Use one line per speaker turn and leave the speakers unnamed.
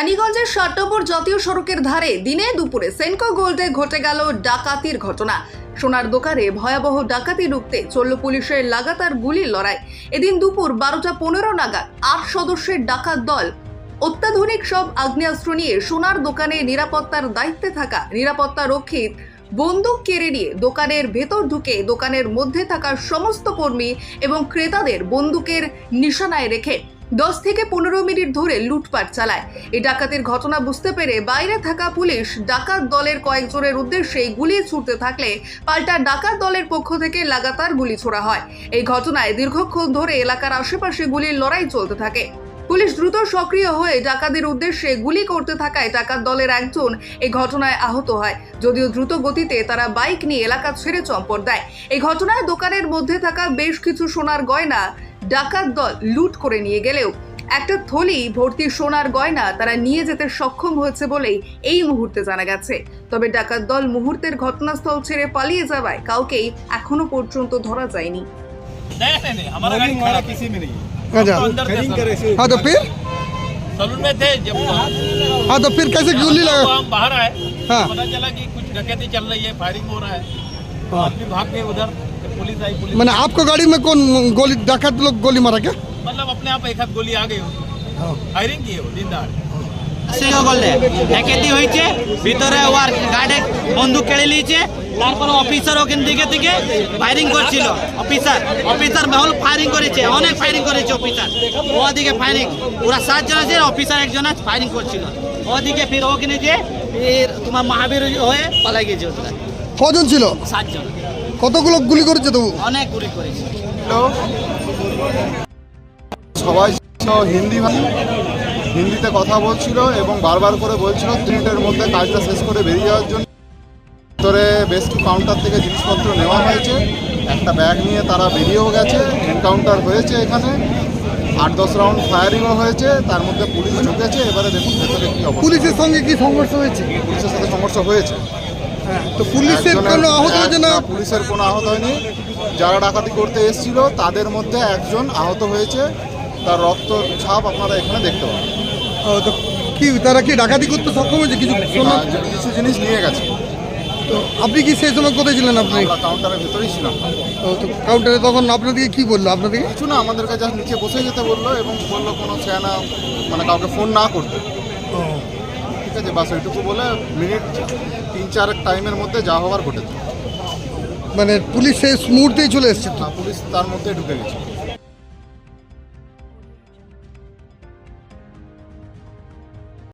রানীগঞ্জের 7 নম্বর জাতীয় সড়কের ধারে দিনে দুপুরে সেনকো গোল্ডে ঘটে গেল ডাকাতির ঘটনা। সোনার দোকানে ভয়াবহ ডাকাতি রুখতে চলল পুলিশের লাগাতার গুলির লড়াই। এদিন দুপুর 12:15 নাগাদ 8 সদস্যের ডাকাত দল অত্যাধুনিক সব আগ্নেয়াস্ত্র নিয়ে সোনার দোকানে নিরাপত্তার দায়িত্বে থাকা নিরাপত্তা রক্ষীর বন্দুক কেড়ে নিয়ে দোকানের ভেতর ঢুকে দোকানের মধ্যে থাকা সমস্ত কর্মী এবং ক্রেতাদের বন্দুকের নিশানায় রেখে 10 থেকে 15 মিনিট ধরে লুটপাট চালায়। এই ডাকাতির ঘটনা বুঝতে পেরে বাইরে থাকা পুলিশ ডাকাত দলের কয়েকজনের উদ্দেশ্যে গুলি ছুড়তে থাকলে পাল্টা ডাকাত দলের পক্ষ থেকে লাগাতার গুলি ছোড়া হয়। এই ঘটনায় দীর্ঘক্ষণ ধরে এলাকার আশেপাশে গুলির লড়াই চলতে থাকে। পুলিশ দ্রুত সক্রিয় হয়ে ডাকাতদের উদ্দেশ্যে গুলি করতে থাকায় ডাকাত দলের একজন এই ঘটনায় আহত হয়। যদিও দ্রুত গতিতে তারা বাইক নিয়ে এলাকা ছেড়ে চম্পট দেয়। এই ঘটনায় দোকানের মধ্যে থাকা বেশ কিছু সোনার গয়না ডাকাত দল লুট করে নিয়ে গেলেও একটা থলি ভর্তি সোনার গয়না তারা নিয়ে যেতে সক্ষম হয়েছে বলেই এই মুহূর্তে জানা গেছে। তবে ডাকাত দল মুহূর্তের ঘটনাস্থল ছেড়ে পালিয়ে যাওয়ায় কাউকেই এখনো পর্যন্ত ধরা যায়নি।
नहीं, हमारा गाड़ी खड़ा किसी में नहीं।
अच्छा।
तो अंदर थे सब।
हाँ तो फिर
सलून में थे जब
हाँ तो फिर कैसे गोली लगा?
हम बाहर आए,
हाँ।
पता चला कि कुछ डकैती चल रही है, फायरिंग हो रहा है।
हाँ।
आदमी भाग गए उधर, तो पुलिस आई। पुलिस
मैंने आपको गाड़ी में कौन गोली डाकत लोग गोली मारा क्या?
मतलब अपने आप एक हाथ गोली आ गई, फायरिंग की है वो दिन दहाड़े।
সেও বললে একেতি হয়েছে ভিতরে ওর গার্ডে বন্দুক কেড়ে নিয়েছে। তারপর অফিসার ওখান থেকে ফায়ারিং করছিল। অফিসার মহল ফায়ারিং করেছে, অনেক ফায়ারিং করেছে অফিসার। ওদিকে ফায়ারিং ওরা 7 জন আছে, অফিসার একজন আছে ফায়ারিং করছিল। ওদিকে ফির ওখানে যে ফির তোমার মহাবীর হয়ে পালাই গেছে ওরা।
কজন ছিল?
7 জন।
কতগুলো গুলি করেছে তবু?
অনেক গুলি করেছে।
সবাই হিন্দিতে কথা বলছিল এবং বারবার করে বলছিল 3 মিনিটের মধ্যে কাজটা শেষ করে বেরিয়ে যাওয়ার জন্য। ভিতরে বেশ কিছু কাউন্টার থেকে জিনিসপত্র নেওয়া হয়েছে, একটা ব্যাগ নিয়ে তারা বেরিয়েও গেছে। এনকাউন্টার হয়েছে, এখানে 8-10 রাউন্ড ফায়ারিংও হয়েছে, তার মধ্যে পুলিশ ঢুকেছে। এবারে দেখুন ভেতরে কি অবস্থা।
পুলিশের সঙ্গে কি সংঘর্ষ হয়েছে?
পুলিশের সাথে সংঘর্ষ হয়েছে।
তো পুলিশের কোনো আহত হয়েছে না?
পুলিশের কোনো আহত হয়নি। যারা ডাকাতি করতে এসেছিল তাদের মধ্যে একজন আহত হয়েছে, তার রক্ত ছাপ আপনারা এখানে দেখতে পাবেন।
তো কি তারা কি ডাকাতি করতে সক্ষম হয়েছে? কিছু সোনা
কিছু জিনিস নিয়ে গেছে।
তো আপনি কি সেই সময় কোথায় ছিলেন? আপনি
আমরা কাউন্টারের ভেতরেই ছিলাম।
তো কাউন্টারে তখন আপনাদেরকে কি বললো? আপনাদেরকে
কিছু না, আমাদেরকে যা নিচে বসে যেতে বললো এবং বললো কোনো চেনা মানে কাউকে ফোন না করতে। ঠিক আছে, বাস ওইটুকু বলে মিনিট 3-4 টাইমের মধ্যে যা হওয়ার ঘটেছে।
মানে পুলিশ সেই মুহূর্তেই চলে এসেছে?
পুলিশ তার মধ্যে ঢুকে গেছে।